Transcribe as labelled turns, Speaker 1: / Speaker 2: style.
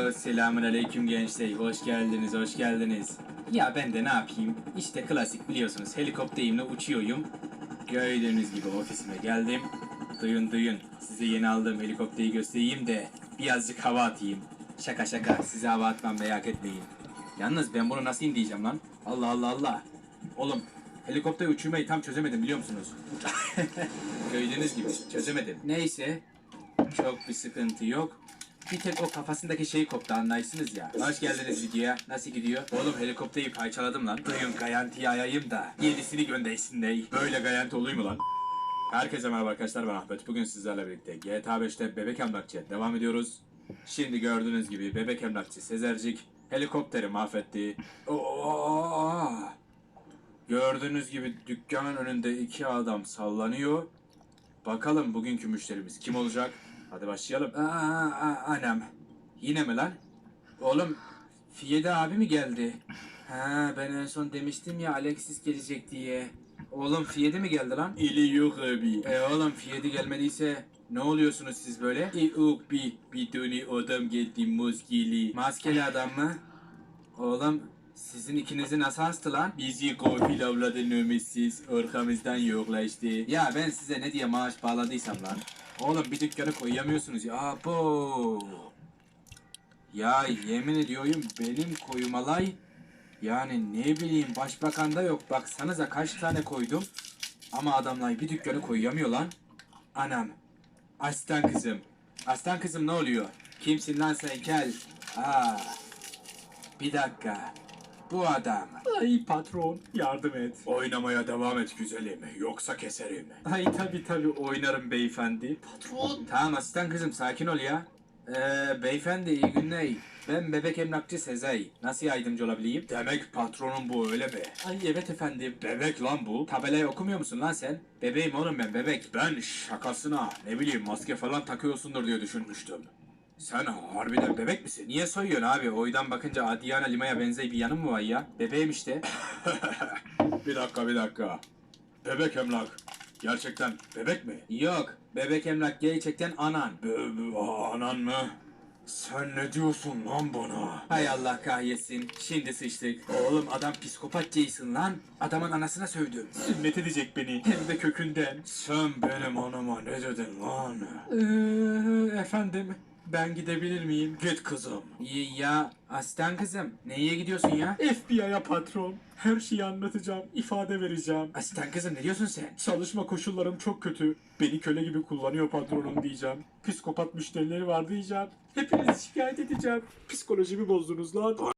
Speaker 1: Selamünaleyküm gençler. Hoş geldiniz, hoş geldiniz. Ya ben de ne yapayım? İşte klasik biliyorsunuz. Helikopterimle uçuyorum. Gördüğünüz gibi ofisime geldim. Duyun. Size yeni aldığım helikopteri göstereyim de birazcık hava atayım. Şaka şaka. Size hava atmam merak etmeyin. Yalnız ben bunu nasıl indireceğim lan? Allah. Oğlum helikopter uçurmayı tam çözemedim biliyor musunuz? Gördüğünüz gibi çözemedim. Neyse. Çok bir sıkıntı yok. Bir tek o kafasındaki şey koptu anlarsınız ya. Hoş geldiniz videoya. Nasıl gidiyor? Oğlum helikopteri parçaladım lan. Duyun garantiye ayayım da yenisini göndersin dey. Böyle garanti olur mu lan? Herkese merhaba arkadaşlar, ben Ahmet. Bugün sizlerle birlikte GTA 5'te Bebek Emlakçı'ya devam ediyoruz. Şimdi gördüğünüz gibi Bebek Emlakçı Sezercik helikopteri mahvetti. Oo! Gördüğünüz gibi dükkanın önünde iki adam sallanıyor. Bakalım bugünkü müşterimiz kim olacak? Hadi başlayalım. Anam. Yine mi lan? Oğlum, Fiyede abi mi geldi? Ha, ben en son demiştim ya Alexis gelecek diye. Oğlum Fiyede mi geldi lan? İli yok abi. Oğlum Fiyede gelmediyse ne oluyorsunuz siz böyle? Yok bir tane adam geldi maskeli. Maskeli adam mı? Oğlum sizin ikinizi nasıl hastı lan? Bizi kofil avladı nömetsiz, arkamızdan yoklaştı. Ya ben size ne diye maaş bağladıysam lan. Oğlum bir dükkanı koyamıyorsunuz ya. Abo. Ya yemin ediyorum benim koymalay. Yani ne bileyim başbakanda yok. Baksanıza kaç tane koydum. Ama adamlar bir dükkanı koyamıyor lan. Anam. Aslan kızım. Aslan kızım ne oluyor? Kimsin lan sen kel? Bir dakika. Bu adam.
Speaker 2: Ay patron yardım et.
Speaker 1: Oynamaya devam et güzelim. Yoksa keserim.
Speaker 2: Ay tabii oynarım beyefendi. Patron.
Speaker 1: Tamam asistan kızım sakin ol ya. Beyefendi iyi günler. Ben bebek emlakçı Sezai. Nasıl yardımcı olabileyim? Demek patronun bu öyle mi?
Speaker 2: Ay evet efendim.
Speaker 1: Bebek lan bu. Tabelayı okumuyor musun lan sen? Bebeğim oğlum ben bebek. Ben şakasına ne bileyim maske falan takıyorsundur diye düşünmüştüm. Sen harbiden bebek misin? Niye soyuyorsun abi? Oydan bakınca Adriana Lima'ya benzeyi bir yanım mı var ya? Bebeğim işte. bir dakika. Bebek emlak. Gerçekten bebek mi? Yok. Bebek emlak gerçekten anan. Anan mı? Sen ne diyorsun lan bana? Hay Allah kahretsin. Şimdi sıçtık. Oğlum adam psikopat Jason lan. Adamın anasına sövdüm.
Speaker 2: Sünnet edecek beni. Hem de kökünden.
Speaker 1: Sen benim anama ne dedin lan?
Speaker 2: Efendim ben gidebilir miyim?
Speaker 1: Git kızım. Ya aslan kızım. Neye gidiyorsun ya?
Speaker 2: FBI'ya patron. Her şeyi anlatacağım. İfade vereceğim.
Speaker 1: Aslan kızım ne diyorsun sen?
Speaker 2: Çalışma koşullarım çok kötü. Beni köle gibi kullanıyor patronum diyeceğim. Psikopat müşterileri var diyeceğim. Hepinizi şikayet edeceğim. Psikolojimi bozdunuz lan.